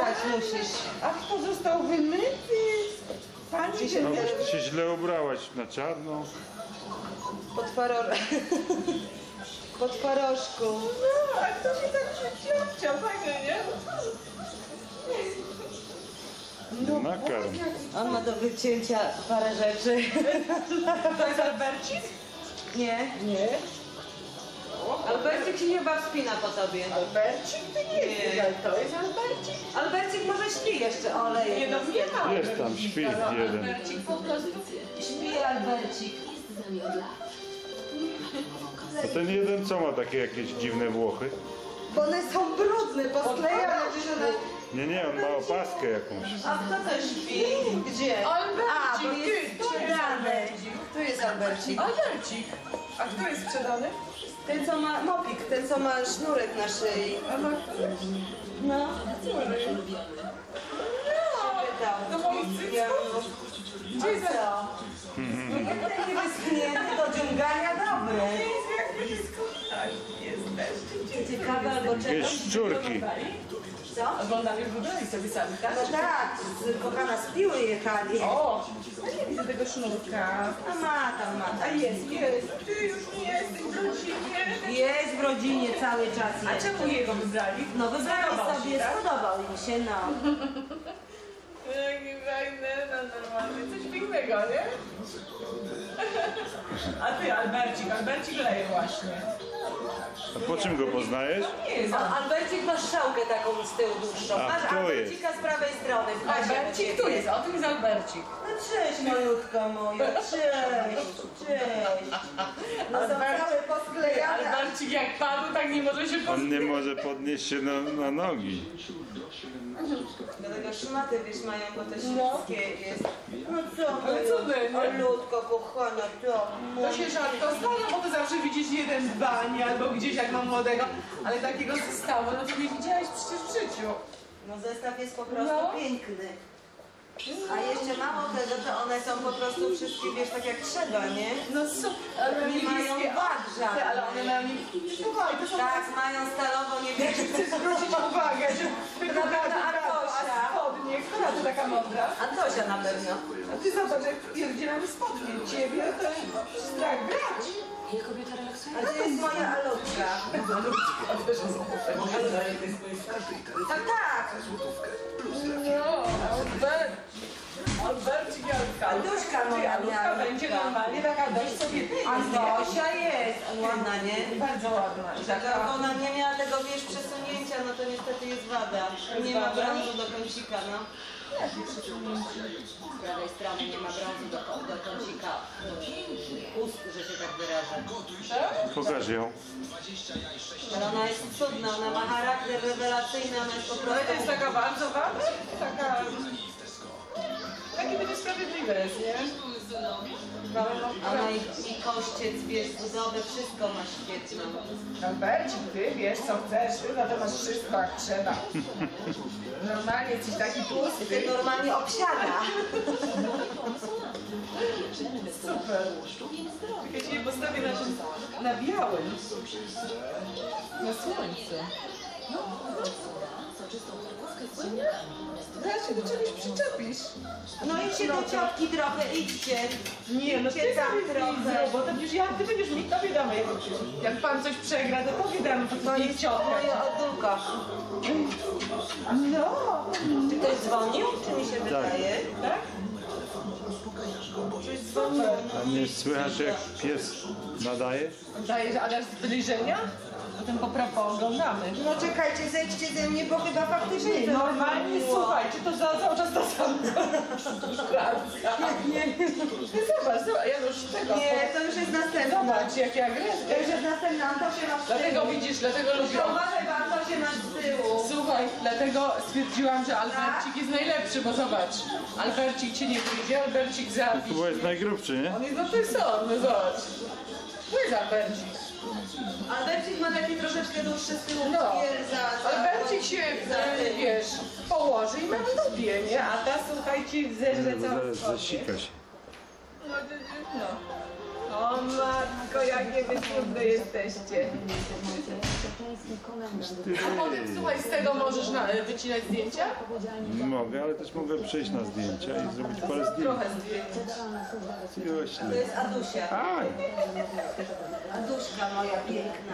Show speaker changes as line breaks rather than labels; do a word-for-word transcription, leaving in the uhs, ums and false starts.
Umywać musisz.
A kto został wymyty? Pani się
No, ty się źle ubrałaś na czarno.
Pod faror... Pod faroszku.
No, a kto się tak przyciącia? Fajnie, nie?
No, nakarm.
On ma do wycięcia parę rzeczy.
To jest Albercik?
Nie.
Nie.
Albercik się chyba wspina po tobie.
Albercik to nie jest,
Nie.
ale to jest Albercik.
Albercik może śpi jeszcze, oleje.
Nie, no nie ma.
Jest tam, śpi jeden.
Albercik po prostu.
Śpi Albercik.
A ten jeden co ma takie jakieś dziwne włochy?
Bo one są brudne, posklejane.
Nie, nie, on ma opaskę jakąś.
A kto to śpi? Gdzie?
Albercik,
A, bo jest
ty, to jest
sprzedany.
Albercik.
Tu jest Albercik.
Albercik. A kto jest sprzedany?
Ten co ma mopik, ten co ma sznurek na szyi.
A ma
No.
do moich cycków?
Gdzie jest co? Taki wyschnięty do dziungania dobry.
Jezu, jak wy dyskutać jesteście.
Ciekawe albo
Jakieś
czegoś.
szczurki.
Co?
Oglądali, wybrali sobie sami, tak?
No tak, z kochana z piły jechali.
O! Ja nie widzę tego sznurka.
A ma tam, ma
A
tam.
jest, jest. Ty już nie jesteś w rodzinie.
Jest w rodzinie cały czas.
A
jest.
czemu jego wybrali?
No wybrali
Spodobał
sobie,
się, tak?
spodobał im się, no.
Jaki fajny, no normalnie. Coś pięknego, nie? A ty, Albercik, Albercik leje właśnie.
A po czym go poznajesz?
Nie jest
A Albercik ma strzałkę taką z tyłu dłuższą.
A
Masz
kto
Albercika z prawej strony. w pasie do
Albercik,
ciebie.
tu jest, o tym jest Albercik.
No cześć malutko moja, cześć, cześć. No są całe posklejane.
Albercik jak padł, tak nie może się
On
poznać.
nie może podnieść się na, na nogi.
Dlatego szmaty, wiesz, mają, bo to
No.
śliskie jest. No co?
Ale
moja,
cudne, nie?
malutko, kochana, to.
To się rzadko zdarza, bo to zawsze widzisz jeden w bani albo gdzieś jak mam młodego, ale takiego zestawu, no to nie widziałeś przecież w życiu.
No zestaw jest po prostu
No.
piękny. A jeszcze mało tego, to one są po prostu wszystkie, wiesz, tak jak trzeba, nie?
No co? Ale
Nie mają wad żadnych.
ale one mają nie... Słuchaj, to są...
Tak, mają stalowo
Ja ci
niebieskie.
chcę zwrócić uwagę, że wyglądasz
na
brawo,
Artosia.
a spodnie, która to taka mądra?
Antosia na pewno.
A ty zobacz, jak pierdzielamy spodnie. Ciebie to strach brać.
A to jest moja Alutka. Tak, tak.
No, Albert. Albercik Jalka.
Antośka moja
Alutka
miała.
będzie normalnie taka dość sobie
Antosia jest. Ładna, nie?
Bardzo ładna. I
Tak,
taka...
jak ona nie miała tego, wiesz, przesunięcia, no to niestety jest wada. Nie ma brązu do kącika, no. Z prawej strony nie ma brązu do, do kącika ust, że się tak wyrażę.
Pokaż ją.
Ale ona jest cudna, ona ma charakter rewelacyjny, ona jest po
Ale to
prostu...
jest taka bardzo ładna, taka... Takie będzie sprawiedliwe jest, nie?
Ona i, i kościec, wiesz, budowę, wszystko ma świetną.
Albercik, ty wiesz co chcesz, ty no to masz wszystko jak trzeba. Normalnie jesteś taki tłusty.
Ty normalnie obsiada.
Super. Ja cię postawię na, czym- na białym. Na słońcu. Zaraz się do czegoś przyczepisz.
No idźcie do ciotki trochę, idźcie.
Nie, no ty
Idźcie tam
sobie
trochę.
zrób, bo to już ja, ty będziesz mi, tobie damy. Jak pan coś przegra, to tobie damy, to
To
nie
jest
ciotka.
moja odulka.
No,
Czy ktoś dzwonił, czy mi się wydaje?
tak?
Czy dzwonił?
A nie słychać jak pies nadaje?
Dajesz alarm zbliżenia? Potem popra- pooglądamy.
No czekajcie, zejdźcie ze mnie, bo chyba faktycznie to
Normalnie,
było.
słuchaj, czy to za, cały czas ta sama Nie, nie. Zobacz, zobacz, Janusz, tego.
Nie, to już jest następna.
Zobacz, jakie
To już
agresje.
jest następna, Antosia ma z tyłu.
Dlatego widzisz, dlatego lubię.
To uważaj, bo Antosia ma z tyłu.
Słuchaj, dlatego stwierdziłam, że Albercik jest najlepszy, bo zobacz, Albercik cię nie wyjdzie, Albercik zabić.
Chyba jest najgrubszy, nie?
On jest no to jest on, no zobacz. Tu jest Albercik.
Albercik ma taki troszeczkę dłuższy z tyłu.
No,
za, za,
Albercik się,
za tym.
wiesz, położy i ma w dupie, nie? A ta, słuchajcie, zerze
Bo
całą
zaraz
sobie.
zasika się.
No, no. O matko, jakie wy cudne jesteście. A potem, słuchaj, z tego możesz na, wycinać zdjęcia?
Mogę, ale też mogę przejść na zdjęcia i zrobić parę zdjęć.
Trochę zdjęć.
To
Jośnie.
jest Adusia.
Aj!
Aduśka moja piękna.